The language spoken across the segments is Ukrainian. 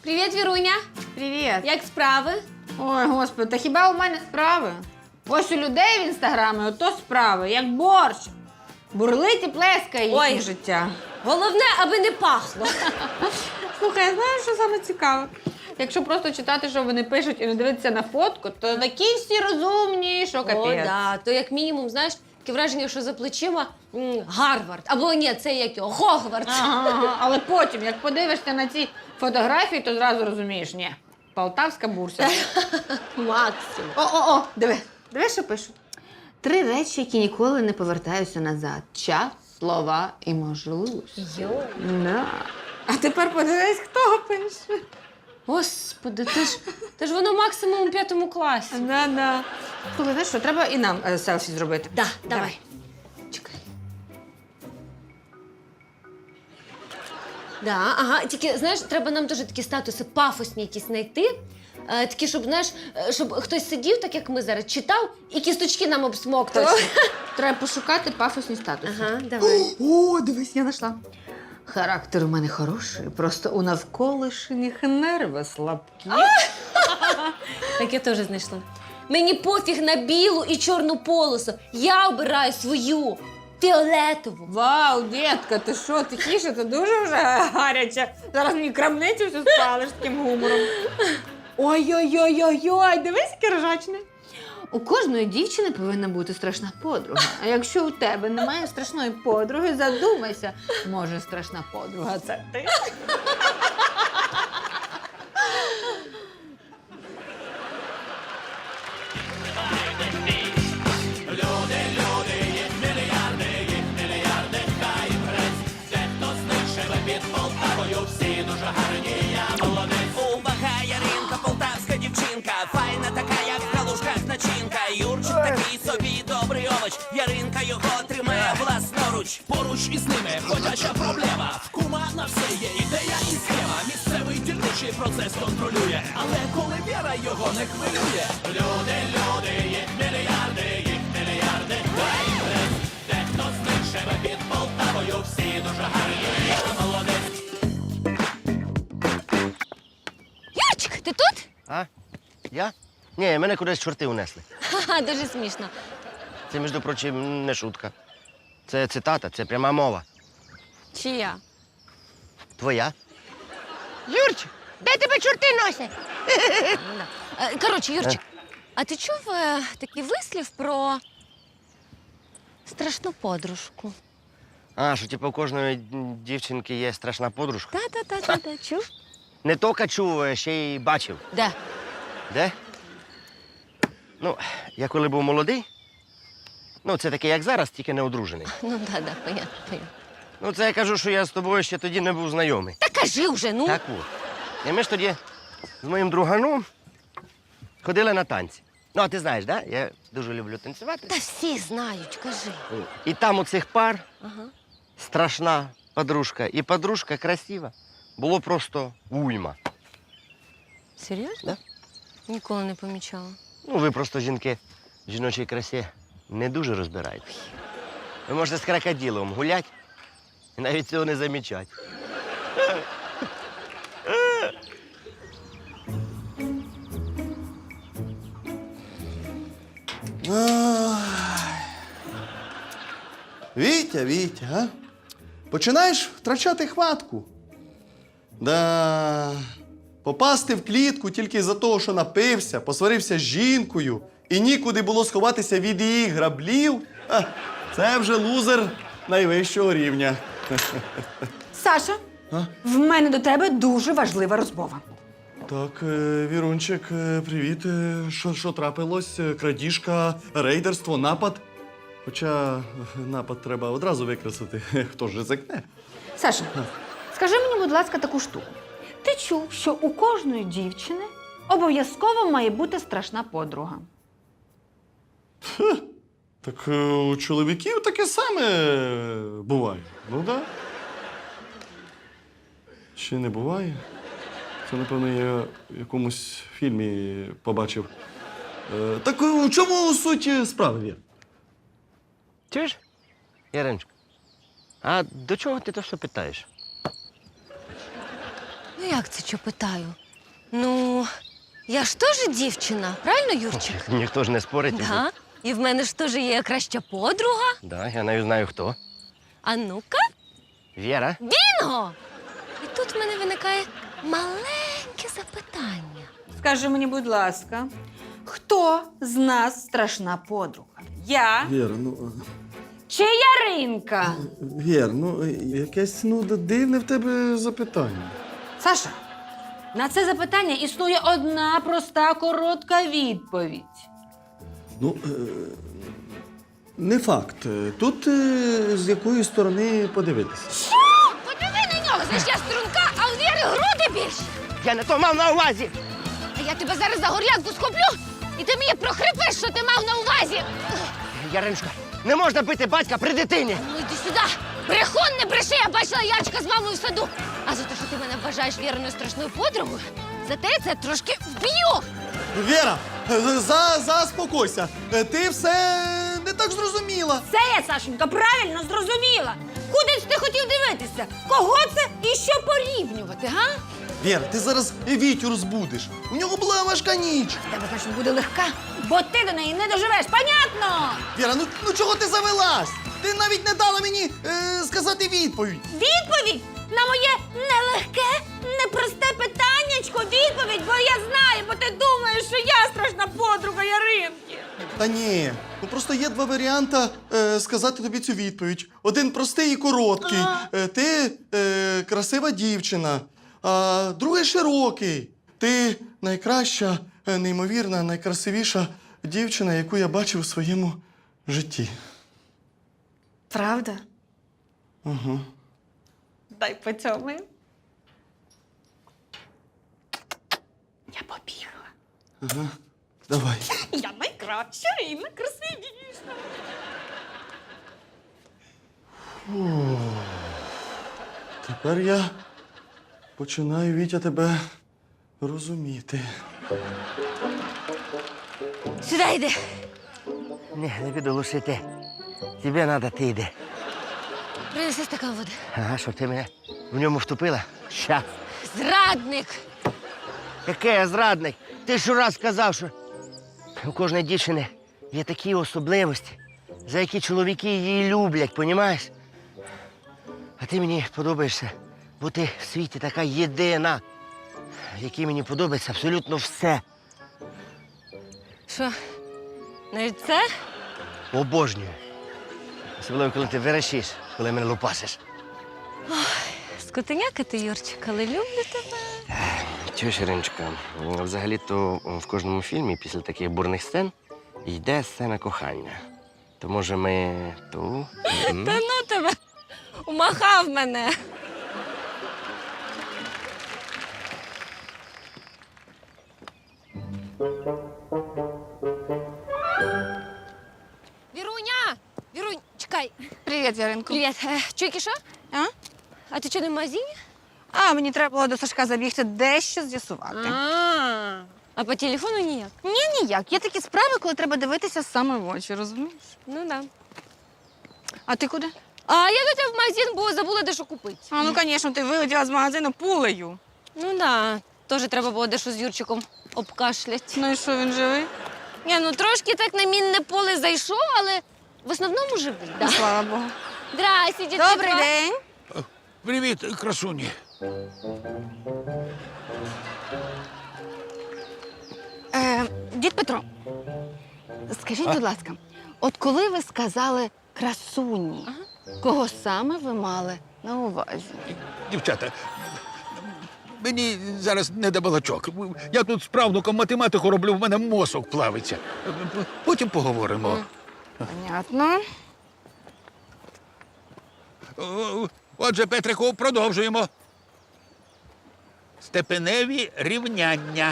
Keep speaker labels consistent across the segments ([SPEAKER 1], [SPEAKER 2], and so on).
[SPEAKER 1] Привіт, Віруня.
[SPEAKER 2] Привіт.
[SPEAKER 1] Як справи?
[SPEAKER 2] Ой, господи, та хіба у мене справи? Ось у людей в інстаграмі ото справи, як борщ. Бурлить і плескає їхнє
[SPEAKER 1] Ой.
[SPEAKER 2] життя.
[SPEAKER 1] Головне, аби не пахло.
[SPEAKER 2] Слухай, знаєш, що саме цікаве? Якщо просто читати, що вони пишуть, і не дивитися на фотку, то такі всі розумні, що капець.
[SPEAKER 1] О, да. То як мінімум, знаєш, таке враження, що за плечима Гарвард. Або ні, це як його, Хогвартс.
[SPEAKER 2] Ага. Але потім, як подивишся на ці фотографії, то зразу розумієш, ні, полтавська бурса.
[SPEAKER 1] Максимум.
[SPEAKER 2] О, диви, що пишуть. 3 речі, які ніколи не повертаються назад. Час, слова і можливості.
[SPEAKER 1] Йой.
[SPEAKER 2] Да. А тепер подивись, хто пише.
[SPEAKER 1] Господи, ти ж воно максимум у 5 класі.
[SPEAKER 2] Да. Слухай, знаєш що, треба і нам селфі зробити.
[SPEAKER 1] Да, давай.
[SPEAKER 2] Чекай.
[SPEAKER 1] Да, ага, тільки, знаєш, треба нам дуже такі статуси пафосні якісь знайти. Такі, щоб, знаєш, щоб хтось сидів, так як ми зараз, читав, і кісточки нам обсмоктував.
[SPEAKER 2] Точно. Треба пошукати пафосні статуси.
[SPEAKER 1] Ага, давай.
[SPEAKER 2] О, дивись, я знайшла. Характер у мене хороший, просто у навколишніх нерви слабкі.
[SPEAKER 1] Так я теж знайшла. Мені пофіг на білу і чорну полосу. Я обираю свою фіолетову.
[SPEAKER 2] Вау, дітка, ти що, тихіше, це дуже вже гаряче. Зараз мені крамницю всю спалиш таким гумором. Ой-ой-ой-ой-ой, дивись, яке ржачне. У кожної дівчини повинна бути страшна подруга. А якщо у тебе немає страшної подруги, задумайся, може, страшна подруга – це ти?
[SPEAKER 3] Увага, Яринка, полтавська дівчинка, файна така, як в калушках начинка. Юрчик такий собі добрий овоч, Яринка його тримає власноруч.
[SPEAKER 4] Поруч із ними ходяча проблема. В кума на все є ідея і схема. Місцевий дільничий процес контролює, але коли віра його не хвилює. Люди, їх мільярди, дай прес. Дехто з них живе під Полтавою, всі дуже гарні, я молодець.
[SPEAKER 1] Юрчик, ти тут?
[SPEAKER 5] А? Я? Ні, мене кудись чорти унесли.
[SPEAKER 1] Ха-ха, дуже смішно.
[SPEAKER 5] Це, між прочим, не шутка. Це цитата, це пряма мова.
[SPEAKER 1] Чия?
[SPEAKER 5] Твоя?
[SPEAKER 2] Юрчик, де тебе чорти носять?
[SPEAKER 1] Коротше, Юрчик, а ти чув такий вислів про страшну подружку?
[SPEAKER 5] А, що типу у кожної дівчинки є страшна подружка?
[SPEAKER 1] Та, чув?
[SPEAKER 5] Не тільки чув, а ще й бачив.
[SPEAKER 1] Де?
[SPEAKER 5] Де? Ну, я коли був молодий, ну, це таке, як зараз, тільки не одружений.
[SPEAKER 1] Ну, понятно.
[SPEAKER 5] Ну, це я кажу, що я з тобою ще тоді не був знайомий.
[SPEAKER 1] Та кажи вже, ну.
[SPEAKER 5] Так от. І ми ж тоді з моїм друганом ходили на танці. Ну, а ти знаєш, да? Я дуже люблю танцювати.
[SPEAKER 1] Та всі знають, кажи.
[SPEAKER 5] І там у цих пар
[SPEAKER 1] Ага.
[SPEAKER 5] страшна подружка і подружка красива. Було просто уйма.
[SPEAKER 1] Серйозно?
[SPEAKER 5] Да.
[SPEAKER 1] Ніколи не помічала.
[SPEAKER 5] Ну, ви просто жінки в жіночій красі не дуже розбираєтесь. Ви можете з крокодилом гуляти і навіть цього не замічати.
[SPEAKER 6] Вітя, а? Починаєш втрачати хватку. Да. Попасти в клітку тільки за того, що напився, посварився з жінкою і нікуди було сховатися від її граблів. Це вже лузер найвищого рівня.
[SPEAKER 7] Саша, в мене до тебе дуже важлива розмова.
[SPEAKER 6] Так, Вірунчик, привіт. Що трапилось? Крадіжка, рейдерство, напад? Хоча напад треба одразу викреслити. Хто ж ризикне?
[SPEAKER 7] Саша, скажи мені, будь ласка, таку штуку. Ти чув, що у кожної дівчини обов'язково має бути страшна подруга.
[SPEAKER 6] Так у чоловіків таке саме буває. Ну так. Да. Чи не буває? Це, напевно, я в якомусь фільмі побачив. Так у чому суть справи, Вір?
[SPEAKER 5] Чуєш, Яриночка? А до чого ти то все питаєш?
[SPEAKER 1] Як це що питаю? Ну, я ж теж дівчина, правильно, Юрчик?
[SPEAKER 5] Ніхто ж не спорить.
[SPEAKER 1] Да. І в мене ж теж є краща подруга.
[SPEAKER 5] Да, я навіть знаю хто.
[SPEAKER 1] А ну-ка,
[SPEAKER 5] Віра.
[SPEAKER 1] бінго! І тут в мене виникає маленьке запитання.
[SPEAKER 2] Скажи мені, будь ласка, хто з нас страшна подруга? Я
[SPEAKER 6] Віра, ну.
[SPEAKER 2] чи Яринка?
[SPEAKER 6] Вір, ну якесь дивне в тебе запитання.
[SPEAKER 2] Саша, на це запитання існує одна проста коротка відповідь.
[SPEAKER 6] Ну, не факт. Тут з якої сторони подивитися.
[SPEAKER 1] Подиви на нього, знаєш, я струнка, а у Віри груди більші.
[SPEAKER 5] Я не то мав на увазі.
[SPEAKER 1] А я тебе зараз за горлянку схоплю, і ти мені прохрипиш, що ти мав на увазі.
[SPEAKER 5] Яриночка, не можна бити батька при дитині.
[SPEAKER 1] Ну йди сюди. Брехун, не бреши, я бачила Ярчика з мамою в саду. А за те, що ти мене вважаєш Віриною страшною подругою, за те я це трошки вб'ю.
[SPEAKER 6] Віра, заспокойся. Ти все не так зрозуміла.
[SPEAKER 2] Це я, Сашенька, правильно зрозуміла. Куди ж ти хотів дивитися? Кого це і що порівнювати, га?
[SPEAKER 6] Віра, ти зараз Вітю розбудиш. У нього була важка ніч.
[SPEAKER 2] Тебе, значить, буде легка, бо ти до неї не доживеш, понятно?
[SPEAKER 6] Віра, ну чого ти завелась? Ти навіть не дала мені сказати відповідь.
[SPEAKER 2] Відповідь на моє нелегке, непросте питаннячко. Відповідь, бо я знаю, бо ти думаєш, що я страшна подруга Яринки.
[SPEAKER 6] Та ні, ну просто є два варіанти сказати тобі цю відповідь. Один простий і короткий. Ти красива дівчина, а другий широкий. Ти найкраща, неймовірна, найкрасивіша дівчина, яку я бачив у своєму житті.
[SPEAKER 2] Правда?
[SPEAKER 6] Угу.
[SPEAKER 2] Дай поцьомаю. Я побігла.
[SPEAKER 6] Ага. Давай.
[SPEAKER 2] Я найкраща і найкрасивіша.
[SPEAKER 6] Тепер я починаю, Вітя, тебе розуміти.
[SPEAKER 1] Сюди йди.
[SPEAKER 5] Ні, не піду лишити. Тобі треба, ти йди.
[SPEAKER 1] Принеси стакан води.
[SPEAKER 5] Ага, щоб ти мене в ньому втопила? Щас.
[SPEAKER 1] Зрадник!
[SPEAKER 5] Який я зрадник? Ти ж раз сказав, що у кожної дівчини є такі особливості, за які чоловіки її люблять, понімаєш? А ти мені подобаєшся, бо ти в світі така єдина, в якій мені подобається абсолютно все.
[SPEAKER 1] Що, навіть це?
[SPEAKER 5] Обожнюю. Особливо, коли ти верещиш, коли мене лупасиш.
[SPEAKER 1] Скотиняка ти, Юрчик, але люблю тебе.
[SPEAKER 5] Чуєш, Іриночка, взагалі-то в кожному фільмі після таких бурних сцен йде сцена кохання. То може ми ту?
[SPEAKER 1] Та ну тебе! Умахав мене. Віруня! Вірунь, чекай.
[SPEAKER 7] Привіт, Яринко.
[SPEAKER 1] Привіт. Чуйки, що?
[SPEAKER 7] А?
[SPEAKER 1] А ти що, не в магазині?
[SPEAKER 7] А, мені треба було до Сашка забігти дещо з'ясувати.
[SPEAKER 1] А по телефону ніяк?
[SPEAKER 7] Ні, ніяк. Є такі справи, коли треба дивитися саме в очі, розумієш?
[SPEAKER 1] Ну да.
[SPEAKER 7] А ти куди?
[SPEAKER 1] А я до тебе в магазин, бо забула дещо купити.
[SPEAKER 7] А, ну, звісно, ти вилетіла з магазину пулею.
[SPEAKER 1] Ну да. Теж треба було дещо з Юрчиком обкашлять.
[SPEAKER 7] Ну і що, він живий?
[SPEAKER 1] Ні, ну трошки так на мінне поле зайшов, але в основному живий. Да.
[SPEAKER 7] Слава Богу.
[SPEAKER 1] Здрасте, дітки.
[SPEAKER 7] Добрий день.
[SPEAKER 4] Привіт, красуні.
[SPEAKER 7] Дід Петро, скажіть, будь ласка, от коли ви сказали красуні, кого саме ви мали на увазі?
[SPEAKER 4] Дівчата, мені зараз не до балачок. Я тут з правнуком математику роблю, в мене мозок плавиться. Потім поговоримо.
[SPEAKER 7] Понятно.
[SPEAKER 4] Отже, Петрику, продовжуємо. Степеневі рівняння.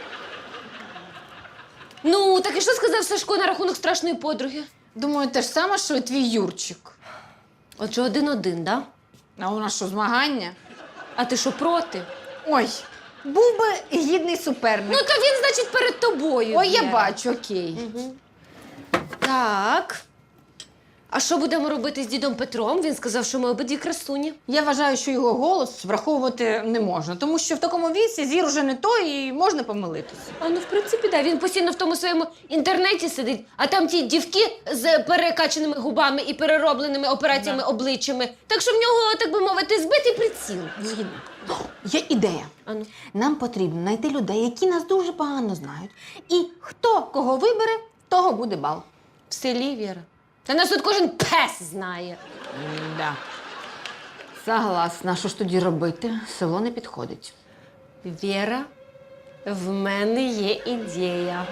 [SPEAKER 1] Ну, так і що сказав Сашко на рахунок страшної подруги?
[SPEAKER 2] Думаю, те ж саме, що і твій Юрчик.
[SPEAKER 1] Отже, 1-1, да?
[SPEAKER 2] А у нас що, змагання?
[SPEAKER 1] А ти що, проти?
[SPEAKER 2] Ой, був би гідний суперник.
[SPEAKER 1] Ну, то він, значить, перед тобою.
[SPEAKER 2] Ой, я
[SPEAKER 1] Віра.
[SPEAKER 2] бачу, окей.
[SPEAKER 1] Так. А що будемо робити з дідом Петром? Він сказав, що ми обидві красуні.
[SPEAKER 2] Я вважаю, що його голос враховувати не можна, тому що в такому віці зір уже не той і можна помилитися.
[SPEAKER 1] А ну, в принципі, да. Він постійно в тому своєму інтернеті сидить, а там ті дівки з перекачаними губами і переробленими операціями обличчями. Так що в нього, так би мовити, збитий приціл.
[SPEAKER 2] Згідно. Є ідея.
[SPEAKER 1] А ну.
[SPEAKER 2] Нам потрібно знайти людей, які нас дуже погано знають. І хто кого вибере, того буде бал.
[SPEAKER 1] В селі, Віра. Та нас тут кожен пес знає.
[SPEAKER 2] Да. Согласна, що ж тоді робити? Село не підходить.
[SPEAKER 1] Віра, в мене є ідея.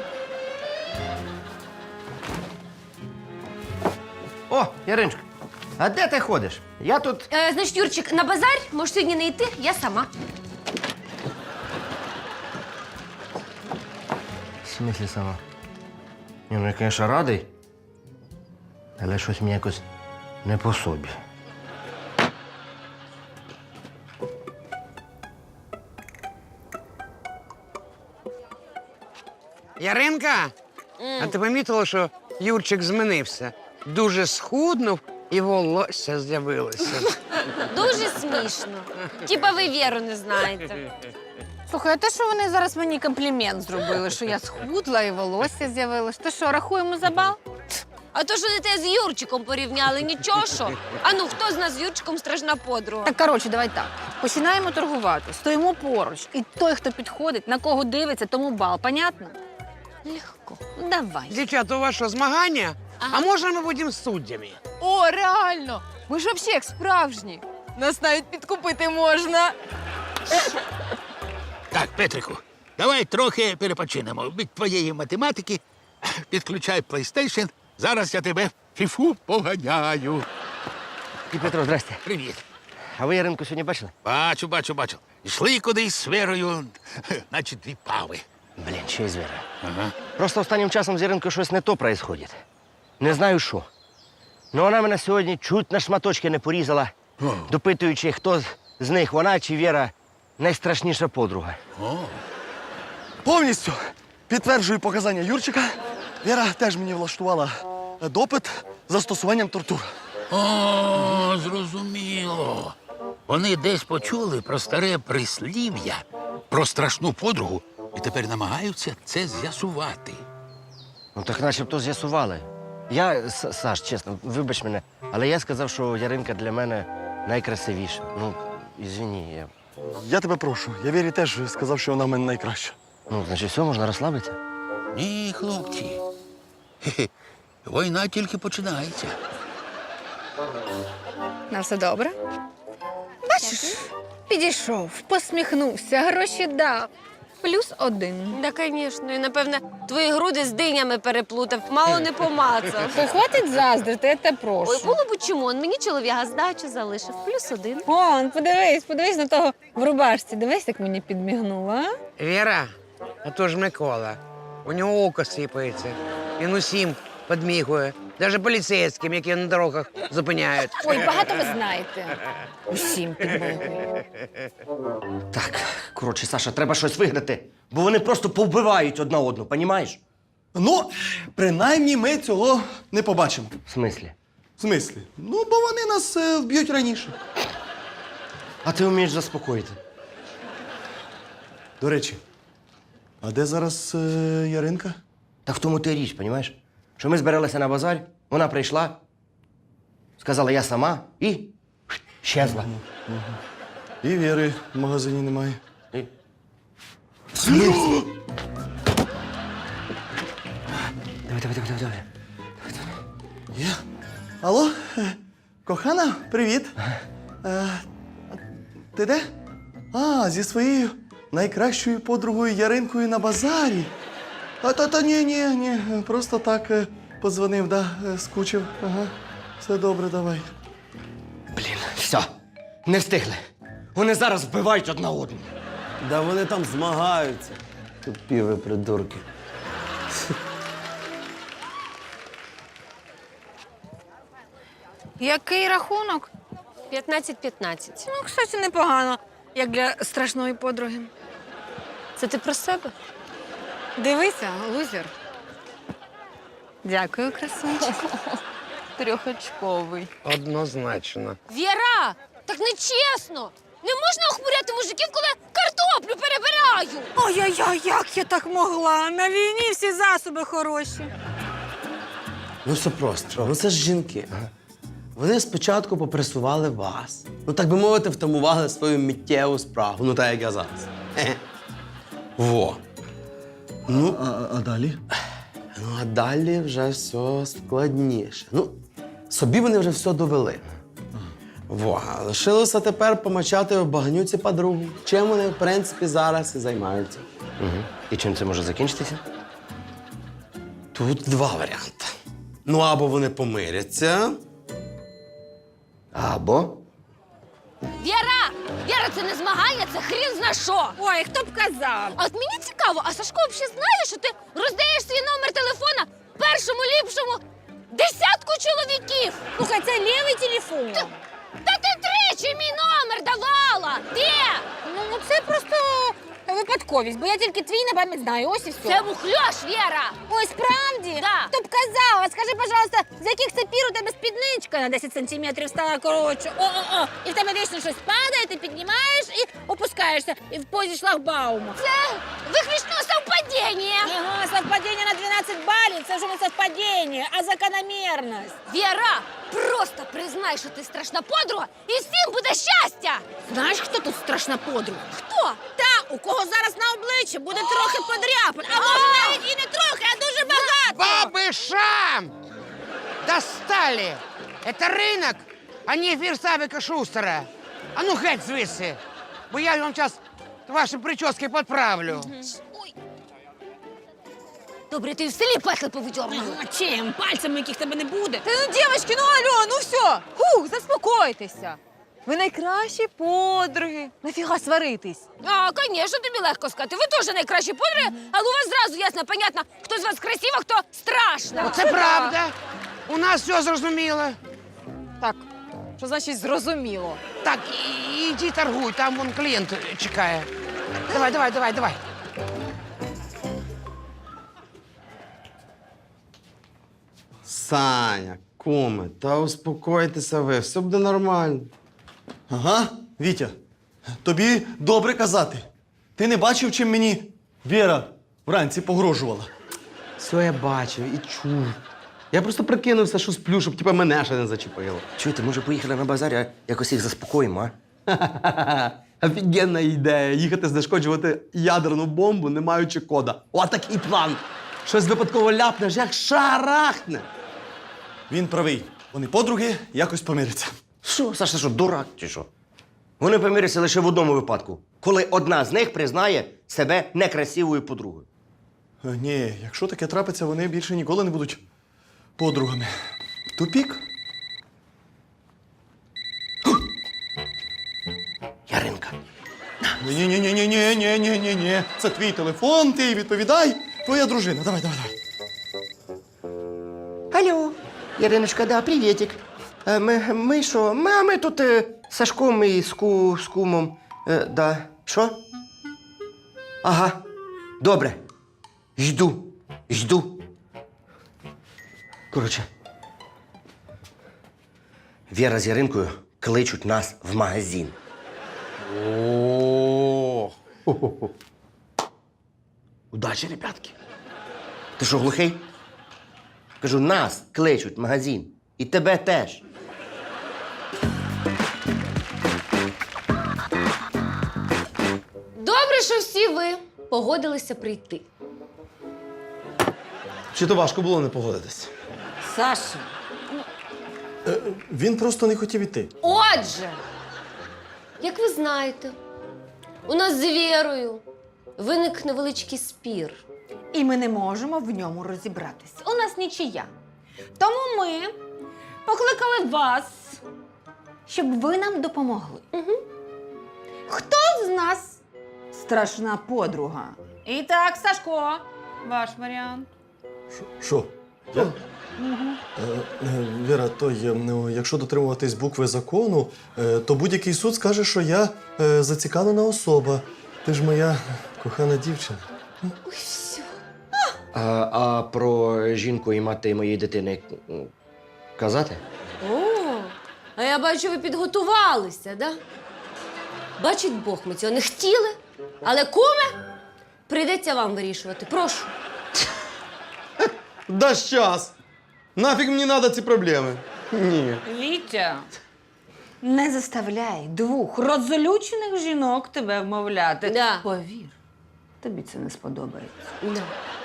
[SPEAKER 5] О, Яриночка, а де ти ходиш? Я тут.
[SPEAKER 1] Значить, Юрчик, на базар можеш сьогодні не йти, я сама.
[SPEAKER 5] В смислі сама? Ні, ну я, звісно, радий, але щось мені якось не по собі.
[SPEAKER 8] Яринка, а ти помітила, що Юрчик змінився? Дуже схуднув і волосся з'явилося.
[SPEAKER 1] Дуже смішно. Типа ви Віру не знаєте.
[SPEAKER 2] Слухай, а те, що вони зараз мені комплімент зробили, що я схудла і волосся з'явилось. То що, рахуємо за бал?
[SPEAKER 1] А то, що не те з Юрчиком порівняли, нічого що. А ну, хто з нас з Юрчиком страшна подруга?
[SPEAKER 2] Так, коротше, давай так. Починаємо торгувати, стоїмо поруч. І той, хто підходить, на кого дивиться, тому бал. Понятно?
[SPEAKER 1] Легко.
[SPEAKER 2] Ну, давай.
[SPEAKER 8] Дівчата, у вас що, змагання? А можна ми будемо суддями?
[SPEAKER 9] О, реально! Ми ж взагалі як справжні. Нас навіть підкупити можна.
[SPEAKER 4] Так, Петрику, давай трохи перепочинемо. Від твоєї математики підключай PlayStation. Зараз я тебе в фіфу поганяю.
[SPEAKER 5] І Петро, здрасте.
[SPEAKER 4] Привіт.
[SPEAKER 5] А ви Яринку сьогодні бачили?
[SPEAKER 4] Бачу. Йшли кудись з Верою, наче дві пави.
[SPEAKER 5] Блін, ще й звіра.
[SPEAKER 4] Ага.
[SPEAKER 5] Просто останнім часом з Яринкою щось не то происходить. Не знаю що. Ну вона мене сьогодні чуть на шматочки не порізала, допитуючи, хто з них, вона чи Віра, найстрашніша подруга.
[SPEAKER 6] Повністю підтверджую показання Юрчика. Віра теж мені влаштувала допит з застосуванням тортур.
[SPEAKER 4] О, зрозуміло. Вони десь почули про старе прислів'я, про страшну подругу, і тепер намагаються це з'ясувати.
[SPEAKER 5] Ну так начебто з'ясували. Я, Саш, чесно, вибач мене, але я сказав, що Яринка для мене найкрасивіша. Ну, ізвини, я...
[SPEAKER 6] Я тебе прошу. Я Вірі теж сказав, що вона в мене найкраща.
[SPEAKER 5] Ну, значить, все, можна розслабитися.
[SPEAKER 4] Ні, хлопці. Хе-хе. Війна тільки починається.
[SPEAKER 2] На все добре? Бачиш, підійшов, посміхнувся, гроші дав. +1.
[SPEAKER 1] Да, звісно. І, напевне, твої груди з динями переплутав, мало не помацав.
[SPEAKER 2] То хватить заздрити, я тебе прошу.
[SPEAKER 1] Ой, було б чому, он мені чоловіка здачу залишив, +1.
[SPEAKER 2] Вон, подивись на того в рубашці. Дивись, як мені підмігнула, а?
[SPEAKER 8] Віра, а то ж Микола. У нього око сипається. Він усім підмігує. Навіть поліцейським, які на дорогах зупиняють.
[SPEAKER 2] Ой, багато ви знаєте. Усім підмогу.
[SPEAKER 5] Так, коротше, Саша, треба щось виграти, бо вони просто повбивають одна одну, понімаєш?
[SPEAKER 6] Ну, принаймні ми цього не побачимо.
[SPEAKER 5] В смислі?
[SPEAKER 6] В смислі? Ну, бо вони нас вб'ють раніше.
[SPEAKER 5] А ти вмієш заспокоїти.
[SPEAKER 6] До речі, а де зараз Яринка?
[SPEAKER 5] Так в тому ти річ, понімаєш? Що ми збиралися на базар, вона прийшла, сказала я сама і щезла.
[SPEAKER 6] І Віри в магазині немає.
[SPEAKER 5] І... Давай.
[SPEAKER 6] Є. Алло, кохана, привіт. Ти де? А, зі своєю найкращою подругою Яринкою на базарі. Та ні, просто так подзвонив, да, скучив. Ага, все добре, давай.
[SPEAKER 5] Блін, все, не встигли. Вони зараз вбивають одна одну.
[SPEAKER 10] Да вони там змагаються. Тупі ви придурки.
[SPEAKER 2] Який рахунок?
[SPEAKER 1] 15-15.
[SPEAKER 2] Ну, кстати, непогано, як для страшної подруги.
[SPEAKER 1] Це ти про себе?
[SPEAKER 2] Дивися, лузер. Дякую, красунчик.
[SPEAKER 9] Трьохочковий.
[SPEAKER 8] Однозначно.
[SPEAKER 1] Віра, так не чесно. Не можна охмуряти мужиків, коли картоплю перебираю.
[SPEAKER 2] Ой-ой-ой, як я так могла? На війні всі засоби хороші.
[SPEAKER 10] Ну все просто. Ну це ж жінки. Ага. Вони спочатку попресували вас. Ну, так би мовити, втамували свою миттєву справу. Ну, так як я зараз. Хе-хе. Во. Ну,
[SPEAKER 6] А далі?
[SPEAKER 10] ну, а далі вже все складніше. Ну, собі вони вже все довели. Во. А лишилося тепер помачати в багнюці подругу. Чим вони, в принципі, зараз і займаються.
[SPEAKER 5] Угу. І чим це може закінчитися?
[SPEAKER 10] Тут два варіанти. Ну, або вони помиряться.
[SPEAKER 5] Або
[SPEAKER 1] Віра, це не змагання, це хрін зна що.
[SPEAKER 2] Ой, хто б казав?
[SPEAKER 1] А от мені цікаво, а Сашко взагалі знає, що ти роздаєш свій номер телефона першому ліпшому десятку чоловіків?
[SPEAKER 2] Слухай, це лівий телефон.
[SPEAKER 1] Та ти тричі мій номер давала! Де?
[SPEAKER 2] Ну, це просто випадковість, бо я тільки твій на пам'ять знаю. Ось і все.
[SPEAKER 1] Це мухльош, Віра!
[SPEAKER 2] Ой, справді?
[SPEAKER 1] Да.
[SPEAKER 2] Хто б казав? А скажи, пожалуйста, з яких це пір у тебе спідничка на 10 сантиметрів стала коротше? О-о-о! І в тебе вічно щось падає, ти піднімаєш і опускаєшся і в позі шлагбаума.
[SPEAKER 1] Це виключно совпадіння.
[SPEAKER 2] Ага, совпадіння на 12 балів. Це вже не совпадіння, а закономірність.
[SPEAKER 1] Віра, просто признай, що ти страшна подруга, і всім буде щастя!
[SPEAKER 2] Знаєш, хто тут страшна подруга?
[SPEAKER 1] Хто?
[SPEAKER 2] Та, у кого зараз на обличчі буде трохи подряпин. А може навіть і не трохи, а дуже багато.
[SPEAKER 8] Бабышам! Достали! Это рынок, а не ефір Савіка Шустера. А ну геть звідси, бо я вам зараз ваші прически підправлю.
[SPEAKER 1] Добре, ти в селі петлі повидьорнула.
[SPEAKER 2] А чим? Пальцями, яких тебе не буде.
[SPEAKER 9] Та ну, дівчатки, ну алло, ну все. Хух, заспокойтеся. Ви найкращі подруги. Нафіга сваритись?
[SPEAKER 1] А, звісно, тобі легко сказати. Ви теж найкращі подруги, але у вас зразу ясно, понятно, хто з вас красива, хто страшна.
[SPEAKER 8] Оце правда. У нас все зрозуміло.
[SPEAKER 9] Так, що значить зрозуміло?
[SPEAKER 8] Так, іди торгуй, там вон клієнт чекає. Давай.
[SPEAKER 10] Саня, куме, та успокойтеся ви, все буде нормально.
[SPEAKER 6] Ага, Вітя, тобі добре казати. Ти не бачив, чим мені Віра вранці погрожувала?
[SPEAKER 10] Все я бачив і чув. Я просто прикинувся, що сплю, щоб типа мене ще не зачепило.
[SPEAKER 5] чуєте, може поїхали на базар, а якось їх заспокоїмо, а?
[SPEAKER 10] Офігенна ідея їхати знешкоджувати ядерну бомбу, не маючи кода. О, такий план. Щось випадково ляпнеш, як шарахне.
[SPEAKER 6] Він правий. Вони подруги якось помиряться.
[SPEAKER 5] Що, Саша, що, дурак чи що? Вони помиряться лише в одному випадку, коли одна з них признає себе некрасивою подругою.
[SPEAKER 6] Ні, якщо таке трапиться, вони більше ніколи не будуть подругами. Тупік?
[SPEAKER 5] Яринка.
[SPEAKER 6] Ні. Це твій телефон, ти відповідай. Твоя дружина. Давай.
[SPEAKER 5] Алло, Яриночка, да, привітик. Ми що? Ми тут з Сашком і з кумом. Да. Що? Ага. Добре. Жду. Коротше. Віра з Яринкою кличуть нас в магазин.
[SPEAKER 10] О. Удачі, ребятки.
[SPEAKER 5] Ти що, глухий? Кажу, нас кличуть в магазин. І тебе теж.
[SPEAKER 1] Добре, що всі ви погодилися прийти.
[SPEAKER 10] Чи то важко було не погодитись?
[SPEAKER 2] Саша,
[SPEAKER 6] Він просто не хотів іти.
[SPEAKER 1] Отже, як ви знаєте, у нас з Вірою виник невеличкий спір.
[SPEAKER 2] і ми не можемо в ньому розібратися. У нас нічия. Тому ми покликали вас, щоб ви нам допомогли.
[SPEAKER 1] Угу.
[SPEAKER 2] Хто з нас страшна подруга? І так, Сашко, ваш варіант.
[SPEAKER 6] Що? Я? Віра, якщо дотримуватись букви закону, то будь-який суд скаже, що я зацікавлена особа. Ти ж моя кохана дівчина.
[SPEAKER 1] Ой, все.
[SPEAKER 5] А про жінку і мати моєї дитини Казати?
[SPEAKER 1] О, а я бачу, ви підготувалися, да? Бачить Бог, ми цього не хотіли. Але куме, прийдеться вам вирішувати. Прошу.
[SPEAKER 10] Да щас! Нафіг мені треба ці проблеми? Ні.
[SPEAKER 2] Вітя, не заставляй двох розлючених жінок тебе вмовляти.
[SPEAKER 1] Да.
[SPEAKER 2] Повір, тобі це не сподобається.
[SPEAKER 1] Да.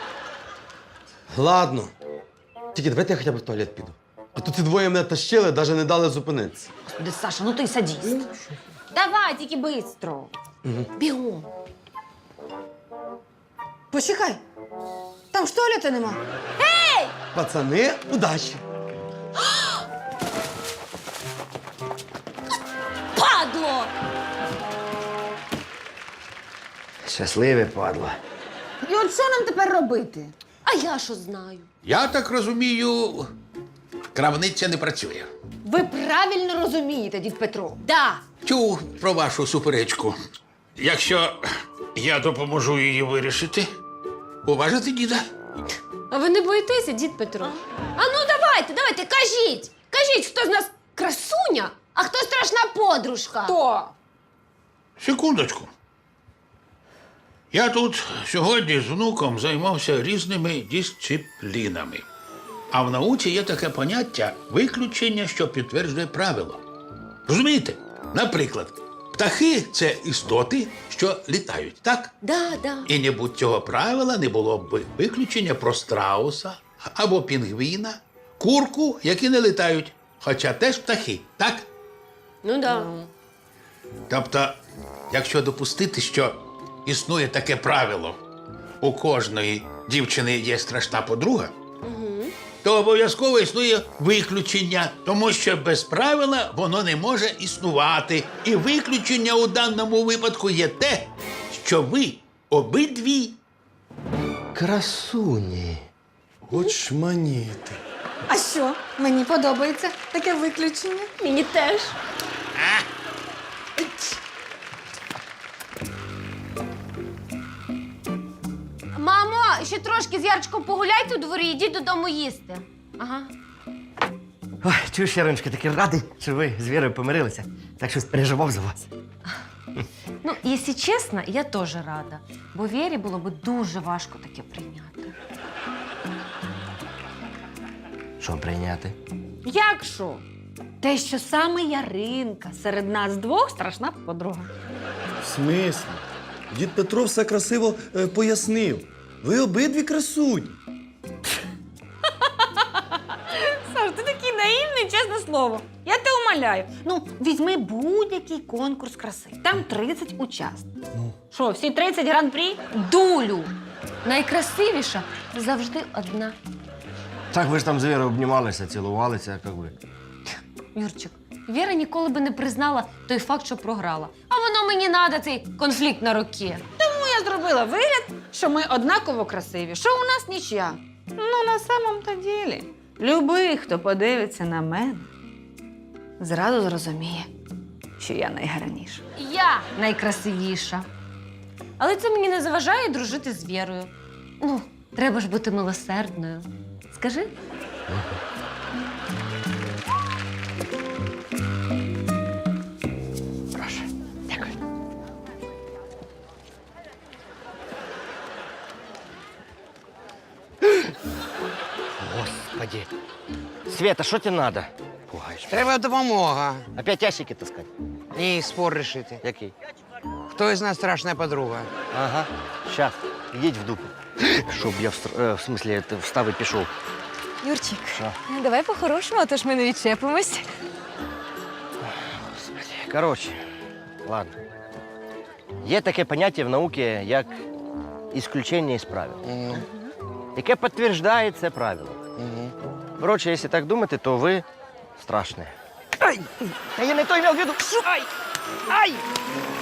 [SPEAKER 10] Ладно. Тільки давайте я хоча б в туалет піду. А то ці двоє мене тащили, навіть не дали зупинитися.
[SPEAKER 2] Господи, Саша, ну ти садіст. Давай, тільки бистро.
[SPEAKER 1] Бігом.
[SPEAKER 2] Почекай. Там ж туалету нема.
[SPEAKER 10] Пацани, удачі!
[SPEAKER 1] Падло!
[SPEAKER 5] Щасливе падло.
[SPEAKER 2] І от що нам тепер робити?
[SPEAKER 1] А я що знаю?
[SPEAKER 4] Я так розумію, крамниця не працює.
[SPEAKER 2] Ви правильно розумієте, дід Петро.
[SPEAKER 1] Да.
[SPEAKER 4] Чув про вашу суперечку. Якщо я допоможу її вирішити, уважите діда?
[SPEAKER 1] А ви не боїтеся, дід Петро? А ну давайте, кажіть! Кажіть, хто з нас красуня, а хто страшна подружка?
[SPEAKER 2] Хто?
[SPEAKER 4] Секундочку. Я тут сьогодні з внуком займався різними дисциплінами. А в науці є таке поняття виключення, що підтверджує правило. Розумієте? Наприклад, птахи це істоти, що літають, так?
[SPEAKER 1] Да.
[SPEAKER 4] І не будь цього правила не було б виключення про страуса або пінгвіна, курку, які не літають, хоча теж птахи, так?
[SPEAKER 1] Ну да.
[SPEAKER 4] Тобто, якщо допустити, що існує таке правило, у кожної дівчини є страшна подруга, то обов'язково існує виключення, тому що без правила воно не може існувати. І виключення у даному випадку є те, що ви обидві
[SPEAKER 10] Красуні.
[SPEAKER 6] Очманіти.
[SPEAKER 2] А що? Мені подобається таке виключення.
[SPEAKER 1] Мені теж. Мамо, ще трошки з Ярчиком погуляйте у дворі, йдіть додому їсти. Ага.
[SPEAKER 5] Ой, чуєш, Яриночка, такий радий, що ви з Вірою помирилися. Так щось переживав за вас.
[SPEAKER 11] Ну, якщо чесно, я теж рада. Бо Вірі було б дуже важко таке прийняти.
[SPEAKER 5] Що прийняти?
[SPEAKER 2] Як що? Те, що саме Яринка серед нас двох страшна подруга.
[SPEAKER 6] В смислі? Дід Петро все красиво пояснив. Ви обидві красуні.
[SPEAKER 2] Саш, ти такий наївний, чесне слово. Я тебе умоляю. Ну, візьми будь-який конкурс краси. Там 30 учасників. Що, всі 30 гран-прі?
[SPEAKER 11] Дулю! Найкрасивіша завжди одна.
[SPEAKER 5] Так ви ж там з Вірою обнімалися, цілувалися, як ви.
[SPEAKER 11] Юрчик, Віра ніколи би не признала той факт, що програла. А воно мені надо, цей конфлікт на роки.
[SPEAKER 2] Тому я зробила вигляд, що ми однаково красиві, що у нас нічия. Ну, на самом-то ділі, любий, хто подивиться на мене, зразу зрозуміє, що я найгарніша.
[SPEAKER 11] Я найкрасивіша. Але це мені не заважає дружити з Вірою. Ну, треба ж бути милосердною. Скажи?
[SPEAKER 5] Прошу. Дякую. Господи. Света, що тебе надо? Пугаєш.
[SPEAKER 8] Треба допомога.
[SPEAKER 5] Опять ящики таскати?
[SPEAKER 8] І спор рішити.
[SPEAKER 5] Який?
[SPEAKER 8] Хто із нас страшна подруга?
[SPEAKER 5] Ага. Щас. Ідіть в дупу. Щоб я в смислі встав і пішов.
[SPEAKER 9] Юрчик,
[SPEAKER 5] Що?
[SPEAKER 9] давай по-хорошому, а то ж ми не відчепимось.
[SPEAKER 5] Коротше, ладно. Є таке поняття в науці, як ісключення із правил, яке підтверджує це правило. Коротше, якщо так думати, то ви страшні. Ай! Та я не той мав в виду. Ай! Ай!